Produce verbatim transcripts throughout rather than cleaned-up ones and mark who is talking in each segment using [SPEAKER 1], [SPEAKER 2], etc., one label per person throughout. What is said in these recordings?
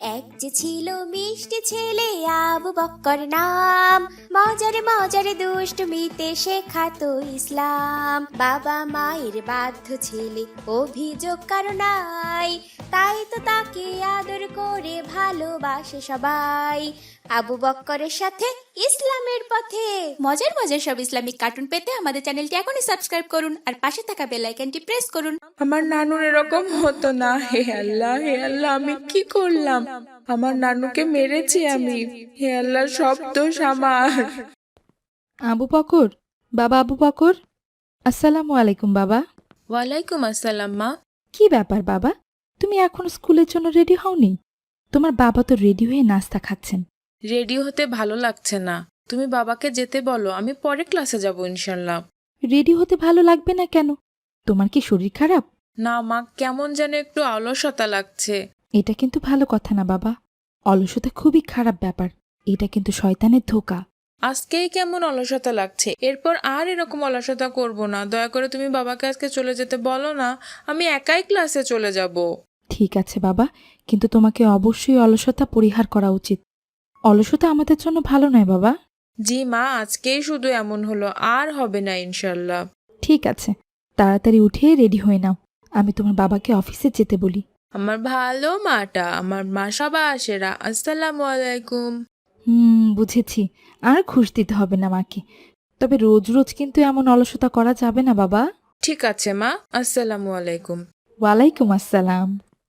[SPEAKER 1] এক যে ছিল মিষ্টি ছেলে আবু বক্কর নাম, মজারে মজারে দুষ্টমিতে শেখাতো ইসলাম। বাবা মায়ের বাধ্য ছেলে, অভিযোগ কারো নাই, তাই তো তাকে আদর করে ভালোবাসে সবাই। আবু বক্করের সাথে ইসলামের পথে। মজার মজার সব ইসলামিক কার্টুন পেতে আমাদের চ্যানেলটি এখনই সাবস্ক্রাইব করুন আর পাশে থাকা বেল আইকনটি প্রেস করুন।
[SPEAKER 2] আমার নানুর এরকম হতো না। হে আল্লাহ, হে আল্লাহ, আমি কি করলাম? আমার নানুকে মেরেছি আমি। হে আল্লাহ, সব দোষ আমার।
[SPEAKER 3] আবু বকর, বাবা আবু বকর, আসসালামু আলাইকুম বাবা।
[SPEAKER 2] ওয়ালাইকুম আসসালাম মা।
[SPEAKER 3] কি ব্যাপার বাবা, তুমি এখন স্কুলের জন্য রেডি হওনি? তোমার বাবা তো রেডি হয়ে নাস্তা খাচ্ছেন।
[SPEAKER 2] রেডি হতে ভালো লাগছে না, তুমি বাবাকে যেতে বলো, আমি পরে ক্লাসে যাব ইনশাল্লাহ।
[SPEAKER 3] রেডি হতে ভালো লাগবে না কেন? তোমার কি শরীর খারাপ?
[SPEAKER 2] না মা, কেমন যেন একটু অলসতা লাগছে।
[SPEAKER 3] এটা কিন্তু ভালো কথা না বাবা, অলসতা খুবই খারাপ ব্যাপার। এটা কিন্তু শয়তানের ধোকা।
[SPEAKER 2] আজকেই কেমন অলসতা লাগছে, এরপর আর এরকম অলসতা করব না। দয়া করে তুমি বাবাকে আজকে চলে যেতে বলো না, আমি একাই ক্লাসে চলে যাব।
[SPEAKER 3] ঠিক আছে বাবা, কিন্তু তোমাকে অবশ্যই অলসতা পরিহার করা উচিত। অলসতা আমাদের জন্য ভালো নয় বাবা।
[SPEAKER 2] জি মা, আজকেই শুধু এমন হলো, আর হবে না ইনশাল্লাহ।
[SPEAKER 3] ঠিক আছে, তাড়াতাড়ি উঠে রেডি হয়ে নাও, আমি তোমার বাবাকে অফিসে যেতে বলি।
[SPEAKER 2] আমার ভালো মাটা, আমার মা সাবাসেরা, আসসালামু আলাইকুম।
[SPEAKER 3] হুম, বুঝেছি। আর ঘুষ দিতে হবে না মাকে। তবে রোজ রোজ কিন্তু এমন অলসতা করা যাবে না বাবা।
[SPEAKER 2] ঠিক আছে মা, আসসালামু আলাইকুম।
[SPEAKER 3] ওয়ালাইকুম আসসালাম।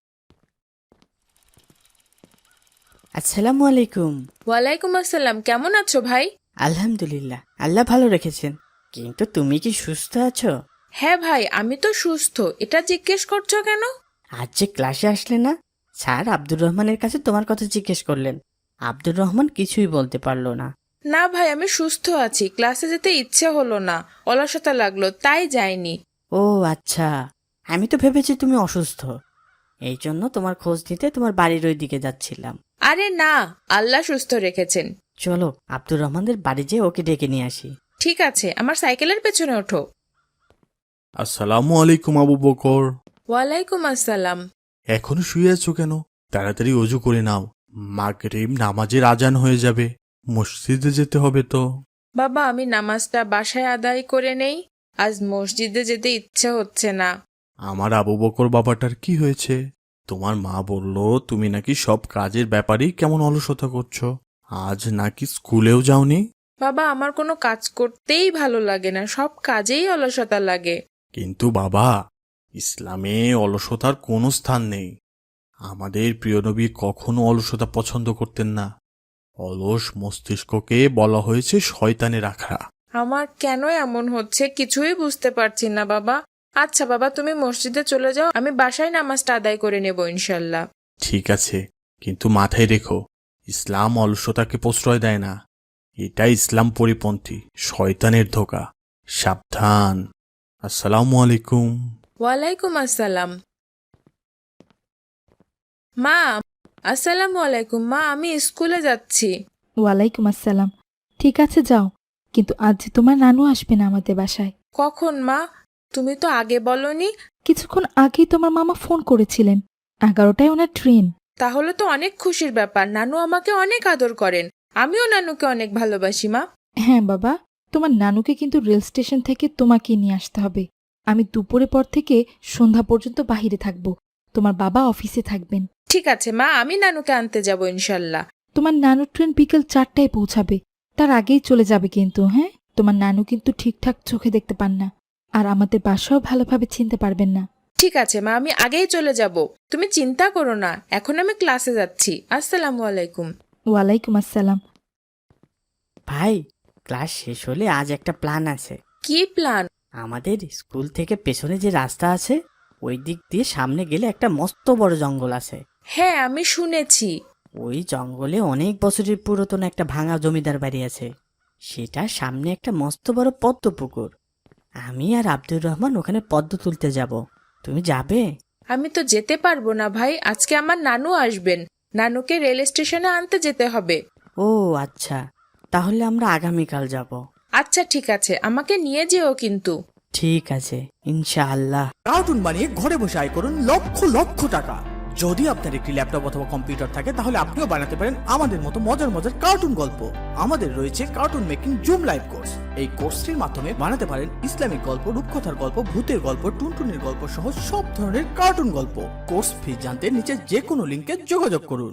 [SPEAKER 4] আসসালামু আলাইকুম।
[SPEAKER 2] ওয়ালাইকুম আসসালাম, কেমন আছো ভাই?
[SPEAKER 4] আলহামদুলিল্লাহ, আল্লাহ ভালো রেখেছেন। কিন্তু তুমি কি সুস্থ আছো?
[SPEAKER 2] হ্যাঁ ভাই, আমি তো সুস্থ। এটা জিজ্ঞেস করছো কেন?
[SPEAKER 4] আজ যে ক্লাসে আসলে না, স্যার আব্দুর রহমানের কাছে তোমার কথা জিজ্ঞেস করলেন। আব্দুর রহমান কিছুই বলতে পারলো না।
[SPEAKER 2] না ভাই, আমি সুস্থ আছি, ক্লাসে যেতে ইচ্ছে হলো না, অলসতা লাগলো, তাই যাইনি।
[SPEAKER 4] ও আচ্ছা, আমি তো ভেবেছি তুমি অসুস্থ, এই জন্য তোমার খোঁজ নিতে তোমার বাড়ির ওই দিকে যাচ্ছিলাম।
[SPEAKER 2] আরে না, আল্লাহ সুস্থ রেখেছেন।
[SPEAKER 4] চলো আব্দুর রহমানদের বাড়ি যেয়ে ওকে ডেকে নিয়ে আসি।
[SPEAKER 2] ঠিক আছে, আমার সাইকেলের পেছনে ওঠো।
[SPEAKER 5] আসসালামু আলাইকুম আবু বকর।
[SPEAKER 2] ওয়ালাইকুম আসসালাম।
[SPEAKER 5] এখনো শুয়ে আছো কেন? তাড়াতাড়ি অজু করে নাও, মাগরিব নামাজের আজান হয়ে যাবে, মসজিদে যেতে হবে তো।
[SPEAKER 2] বাবা, আমি নামাজটা বাসায় আদায় করে নেই, আজ মসজিদে যেতে ইচ্ছে হচ্ছে না।
[SPEAKER 5] আমার আবু বকর বাবাটার কি হয়েছে? তোমার মা বলল তুমি নাকি সব কাজের ব্যাপারেই কেমন অলসতা করছো। আজ নাকি স্কুলেও যাওনি?
[SPEAKER 2] বাবা, আমার কোনো কাজ করতেই ভালো লাগে না, সব কাজেই অলসতা লাগে।
[SPEAKER 5] কিন্তু বাবা, ইসলামে অলসতার কোনো স্থান নেই। আমাদের প্রিয় নবী কখনো অলসতা পছন্দ করতেন না। অলস মস্তিষ্ককে বলা হয়েছে শয়তানের আখড়া।
[SPEAKER 2] আমার কেন এমন হচ্ছে কিছুই বুঝতে পারছি না বাবা। আচ্ছা বাবা, তুমি মসজিদে চলে যাও, আমি বাসায় নামাজটা আদায় করে নেব ইনশাল্লাহ।
[SPEAKER 5] ঠিক আছে, কিন্তু মাথায় রেখো, ইসলাম অলসতাকে প্রশ্রয় দেয় না। এটা ইসলাম পরিপন্থী, শয়তানের ধোকা। সাবধান। আসসালামু আলাইকুম।
[SPEAKER 2] ওয়ালাইকুম আসসালাম। মা, আসসালামু আলাইকুম। মা, আমি স্কুলে যাচ্ছি।
[SPEAKER 3] ওয়ালাইকুম আসসালাম। ঠিক আছে যাও, কিন্তু আজ যে তোমার নানু আসবে না আমাদের বাসায়।
[SPEAKER 2] কখন মা? তুমি তো আগে বলনি।
[SPEAKER 3] কিছুক্ষণ আগেই তোমার মামা ফোন করেছিলেন, এগারোটায় ওনার ট্রেন।
[SPEAKER 2] তাহলে তো অনেক খুশির ব্যাপার, নানু আমাকে অনেক আদর করেন, আমিও নানুকে অনেক ভালোবাসি মা।
[SPEAKER 3] হ্যাঁ বাবা, তোমার নানুকে কিন্তু রেল স্টেশন থেকে তোমাকে নিয়ে আসতে হবে। আমি দুপুরে পর থেকে সন্ধ্যা পর্যন্ত বাহিরে থাকব, তোমার বাবা অফিসে থাকবেন।
[SPEAKER 2] ঠিক আছে মা, আমি নানুকে আনতে যাব ইনশাল্লাহ।
[SPEAKER 3] তোমার নানুর ট্রেন বিকেল চারটায় পৌঁছাবে, তার আগেই চলে যাবে কিন্তু। হ্যাঁ, তোমার নানু কিন্তু ঠিকঠাক চোখে দেখতে পান না, আর আমাদের বাসাও ভালোভাবে চিনতে পারবেন না।
[SPEAKER 2] ঠিক আছে মা, আমি আগেই চলে যাব, তুমি চিন্তা করো না। এখন আমি ক্লাসে যাচ্ছি। আসসালামু আলাইকুম।
[SPEAKER 3] ওয়ালাইকুম আসসালাম।
[SPEAKER 4] ভাই, ক্লাস শেষ হলে আজ একটা প্ল্যান আছে।
[SPEAKER 2] কি প্ল্যান?
[SPEAKER 4] আমাদের স্কুল থেকে পেছনে যে রাস্তা আছে, ওই দিক দিয়ে সামনে গেলে একটা মস্ত বড় জঙ্গল আছে।
[SPEAKER 2] হ্যাঁ, আমি শুনেছি।
[SPEAKER 4] ওই জঙ্গলে অনেক বছরের পুরাতন একটা ভাঙা জমিদার বাড়ি আছে। সেটা সামনে একটা মস্ত বড় পদ্ম পুকুর। আমি আর আব্দুর রহমান ওখানে পদ্ম তুলতে যাব, তুমি যাবে?
[SPEAKER 2] আমি তো যেতে পারবো না ভাই, আজকে আমার নানু আসবেন, নানুকে রেল স্টেশনে আনতে যেতে হবে।
[SPEAKER 4] ও আচ্ছা, তাহলে আমরা আগামীকাল যাব।
[SPEAKER 2] আচ্ছা ঠিক আছে, আমাকে নিয়ে যেও কিন্তু।
[SPEAKER 4] ঠিক আছে ইনশাআল্লাহ।
[SPEAKER 6] কার্টুন বানিয়ে ঘরে বসে আয় করুন লক্ষ লক্ষ টাকা। যদি আপনার একটি ল্যাপটপ অথবা কম্পিউটার থাকে তাহলে আপনিও বানাতে পারেন আমাদের মতো মজার মজার কার্টুন গল্প। আমাদের রয়েছে cartoon making zoom live course. এই কোর্সটির মাধ্যমে বানাতে পারেন ইসলামিক গল্প, রূপকথার গল্প, ভূতের গল্প, টুনটুনির গল্প সহ সব ধরনের কার্টুন গল্প। কোর্স ফি জানতে নিচে যে কোনো লিঙ্কে যোগাযোগ করুন।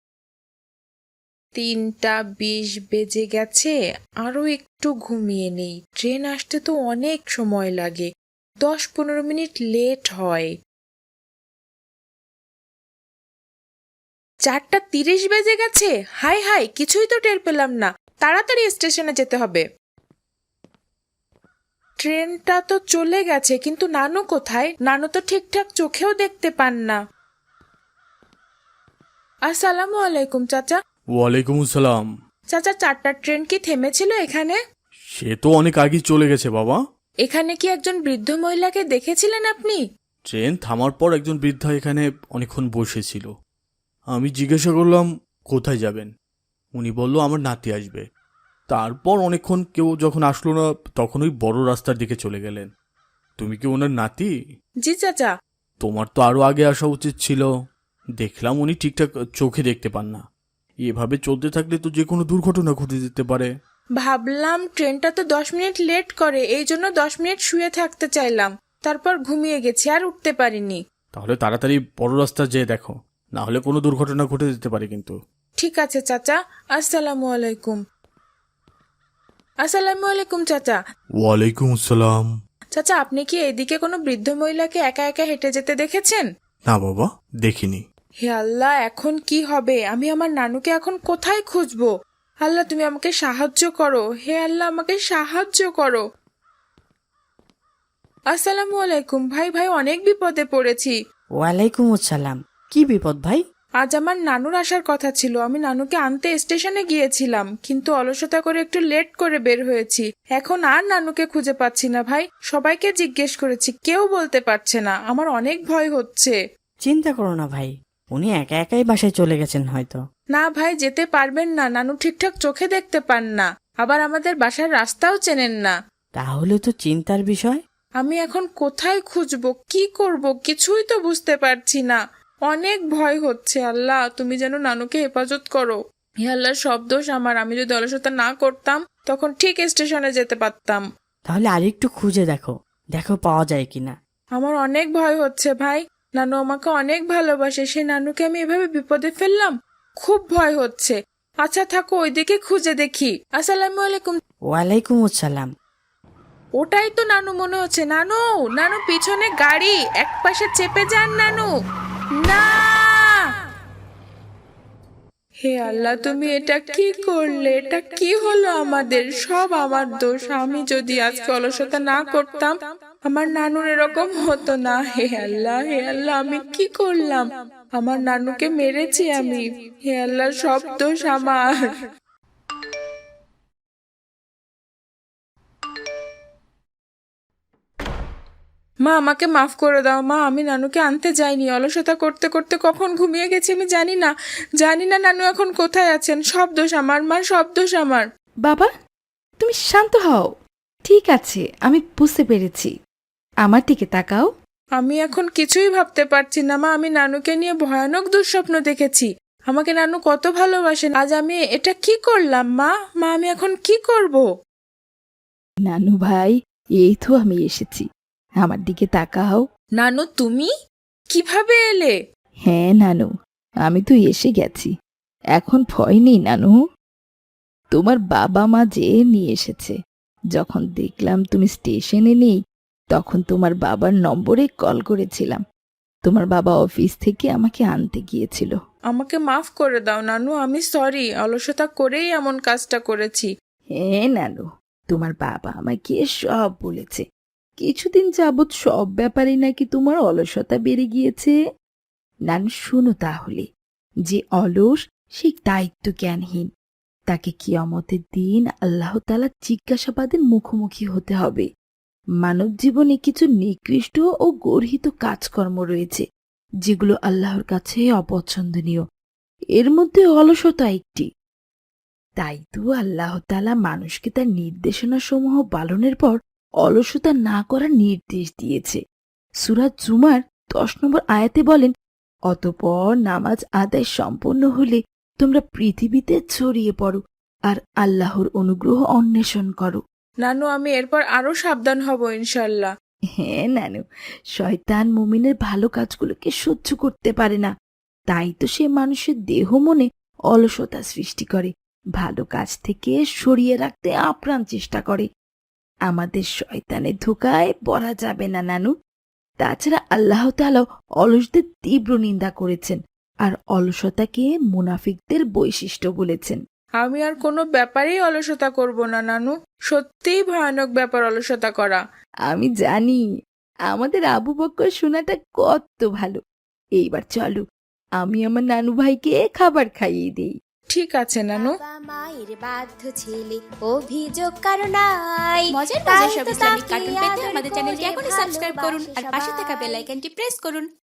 [SPEAKER 2] তিনটা বিশ বেজে গেছে, আরো একটু ঘুমিয়ে নেই। ট্রেন আসতে তো অনেক সময় লাগে, দশ পনেরো মিনিট লেট হয়। চারটা তিরিশ বেজে গেছে, হাই হাই, কিছুই তো টের পেলাম না। তাড়াতাড়ি স্টেশনে যেতে হবে। ট্রেনটা তো চলে গেছে, কিন্তু নানু কোথায়? নানু তো ঠিকঠাক চোখেও দেখতে পান না। আসসালামু আলাইকুম চাচা।
[SPEAKER 5] ওয়ালাইকুম আসসালাম।
[SPEAKER 2] চাচা, চারটার ট্রেন কি থেমেছিল এখানে?
[SPEAKER 5] সে তো অনেক আগেই চলে গেছে বাবা।
[SPEAKER 2] এখানে কি একজন বৃদ্ধ মহিলাকে দেখেছিলেন আপনি?
[SPEAKER 5] ট্রেন থামার পর একজন বৃদ্ধা এখানে অনেকক্ষণ বসেছিল। আমি জিজ্ঞাসা করলাম কোথায় যাবেন, উনি বলল আমার নাতি আসবে। তারপর অনেকক্ষণ কেউ যখন আসলো না তখন ওই বড় রাস্তার দিকে চলে গেলেন। তুমি কি ওনার নাতি?
[SPEAKER 2] জি চাচা।
[SPEAKER 5] তোমার তো আরো আগে আসা উচিত ছিল। দেখলাম উনি ঠিকঠাক চোখে দেখতে পান না। এভাবে চলতে থাকলে তো যে কোনো দুর্ঘটনা ঘটে যেতে পারে।
[SPEAKER 2] ভাবলাম ট্রেনটা তো দশ মিনিট লেট করে, এই জন্য দশ মিনিট শুয়ে থাকতে চাইলাম। তারপর ঘুমিয়ে গেছি, আর উঠতে পারিনি।
[SPEAKER 5] তাহলে তাড়াতাড়ি বড় রাস্তা যেয়ে দেখো, না হলে কোনো দুর্ঘটনা ঘটে যেতে পারে কিন্তু।
[SPEAKER 2] ঠিক আছে চাচা। আসসালামু আলাইকুম। আসসালামু আলাইকুম চাচা।
[SPEAKER 5] ওয়ালাইকুম আসসালাম।
[SPEAKER 2] চাচা, আপনি কি এদিকে কোনো বৃদ্ধ মহিলাকে একা একা হেঁটে যেতে দেখেছেন?
[SPEAKER 5] না বাবা, দেখিনি।
[SPEAKER 2] হে আল্লাহ, এখন কি হবে? আমি আমার নানুকে এখন কোথায় খুঁজবো? আল্লাহ, তুমি আমাকে সাহায্য করো। হে আল্লাহ, আমাকে সাহায্য করো। আসসালামু আলাইকুম ভাই। ভাই, অনেক বিপদে পড়েছি।
[SPEAKER 4] ওয়ালাইকুম আসসালাম। কি বিপদ ভাই?
[SPEAKER 2] আজ আমার নানুর আসার কথা ছিল। আমি নানুকে আনতে স্টেশনে গিয়েছিলাম, কিন্তু অলসতা করে একটু লেট করে বের হয়েছি। এখন আর নানুকে খুঁজে পাচ্ছি না ভাই। সবাইকে জিজ্ঞেস করেছি, কেউ বলতে পারছে না। আমার অনেক ভয় হচ্ছে।
[SPEAKER 4] চিন্তা করো না ভাই, উনি একা একাই বাসায় চলে গেছেন হয়তো।
[SPEAKER 2] না ভাই, যেতে পারবেন না। নানু ঠিকঠাক চোখে দেখতে পান না, আবার আমাদের বাসার রাস্তাও চেনেন না।
[SPEAKER 4] তাহলে তো চিন্তার বিষয়।
[SPEAKER 2] আমি এখন কোথায় খুঁজবো, কি করব, কিছুই তো বুঝতে পারছি না। অনেক ভয় হচ্ছে। আল্লাহ, তুমি যেন নানুকে হেফাজত করো। হে আল্লাহ, সব দোষ আমার। আমি যদি অলসতা না করতাম তখন ঠিক স্টেশনে যেতে পারতাম।
[SPEAKER 4] তাহলে আরেকটু খুঁজে দেখো, দেখো পাওয়া যায় কিনা।
[SPEAKER 2] আমার অনেক ভয় হচ্ছে ভাই। নানু আমাকে অনেক ভালোবাসে, সেই নানুকে আমি এভাবে বিপদে ফেললাম। খুব ভয় হচ্ছে। আচ্ছা থাকো, ওইদিকে খুঁজে দেখি। আসসালামু আলাইকুম।
[SPEAKER 4] ওয়ালাইকুম আসসালাম।
[SPEAKER 2] ওটাই তো নানু মনে হচ্ছে। নানু, নানু, পিছনে গাড়ি, এক পাশে চেপে যান নানু। না! হে আল্লাহ, তুমি এটা কি করলে? এটা কি হলো আমাদের? সব আমার দোষ। আমি যদি আজকে অলসতা না করতাম আমার নানুর এরকম হতো না। হে আল্লাহ, হে আল্লাহ, আমি কি করলাম? আমার নানুকে মেরেছি আমি। হে আল্লাহ, সব দোষ আমার। মা, আমাকে মাফ করে দাও মা। আমি নানুকে আনতে যাইনি। অলসতা করতে করতে কখন ঘুমিয়ে গেছি আমি জানি না। জানি না নানু এখন কোথায় আছেন। সব দোষ আমার মা, সব দোষ আমার।
[SPEAKER 3] বাবা, তুমি শান্ত হও। ঠিক আছে, আমি বুঝতে পেরেছি। আমার দিকে তাকাও।
[SPEAKER 2] আমি এখন কিছুই ভাবতে পারছি না মা। আমি নানুকে নিয়ে ভয়ানক দুঃস্বপ্ন দেখেছি। আমাকে নানু কত ভালোবাসেন। আজ আমি এটা কি করলাম মা? মা, আমি এখন কি করব?
[SPEAKER 3] নানু ভাই, এই তো আমি এসেছি। আমার দিকে তাকাও।
[SPEAKER 2] নানু, তুমি কিভাবে এলে?
[SPEAKER 3] হ্যাঁ নানু, আমি তো এসে গেছি। এখন ভয় নেই নানু। তোমার বাবা মা যে নিয়ে এসেছে। যখন দেখলাম তুমি স্টেশনে নেই, তখন তোমার বাবার নম্বরে কল করেছিলাম। তোমার বাবা অফিস থেকে আমাকে আনতে গিয়েছিল।
[SPEAKER 2] আমাকে মাফ করে দাও নানু, আমি সরি। অলসতা করেই এমন কাজটা করেছি।
[SPEAKER 3] হ্যাঁ নানু, তোমার বাবা আমাকে সব বলেছে। কিছুদিন যাবৎ সব ব্যাপারে নাকি তোমার অলসতা বেড়ে গিয়েছে। নানু শোনো তাহলে, যে অলস সে দায়িত্ব জ্ঞানহীন। তাকে কিয়ামতের দিন আল্লাহ তাআলা জিজ্ঞাসাবাদের মুখোমুখি হতে হবে। মানব জীবনে কিছু নিকৃষ্ট ও গর্হিত কাজকর্ম রয়েছে যেগুলো আল্লাহর কাছে অপছন্দনীয়। এর মধ্যে অলসতা একটি। তাই তো আল্লাহ তাআলা মানুষকে তার নির্দেশনা সমূহ পালনের পর অলসতা না করার নির্দেশ দিয়েছে। সূরা জুমার দশ নম্বর আয়াতে বলেন, অতঃপর নামাজ আদায় সম্পন্ন হলে তোমরা পৃথিবীতে ছড়িয়ে পড়ো আর আল্লাহর অনুগ্রহ অন্বেষণ করো।
[SPEAKER 2] নানু, আমি এরপর আরো সাবধান হব ইনশাল্লাহ।
[SPEAKER 3] হ্যাঁ নানু, শয়তান মুমিনের ভালো কাজগুলোকে সহ্য করতে পারে না, তাই তো সে মানুষের দেহ মনে অলসতা সৃষ্টি করে, ভালো কাজ থেকে সরিয়ে রাখতে আপ্রাণ চেষ্টা করে। আমাদের শয়তানের ধোকায় পড়া যাবে না নানু। তাছাড়া আল্লাহ তাআলা অলসদের তীব্র নিন্দা করেছেন আর অলসতাকে মুনাফিকদের বৈশিষ্ট্য বলেছেন।
[SPEAKER 2] আমি আর কোনো ব্যাপারেই অলসতা করব না নানু। সত্যিই ভয়ানক ব্যাপার অলসতা করা।
[SPEAKER 3] আমি জানি আমাদের আবু বক্কর শোনাটা কত ভালো। এইবার চলো, আমি আমার নানু ভাইকে খাবার খাইয়ে দিই।
[SPEAKER 2] ঠিক আছে নানু।
[SPEAKER 1] বাবা মায়ের বাধ্য ছেলে অভিযোগ কারো নাই।
[SPEAKER 7] মজার
[SPEAKER 1] তাই
[SPEAKER 7] মজার সব
[SPEAKER 1] তো
[SPEAKER 7] ইসলামিক
[SPEAKER 1] তাকে
[SPEAKER 7] কার্টুন পেতে
[SPEAKER 1] আদর
[SPEAKER 7] আমাদের চ্যানেলটি
[SPEAKER 1] করে
[SPEAKER 7] এখনই সাবস্ক্রাইব করুন আর পাশে থাকা
[SPEAKER 1] ভালোবাসে
[SPEAKER 7] বেল আইকনটি প্রেস করুন।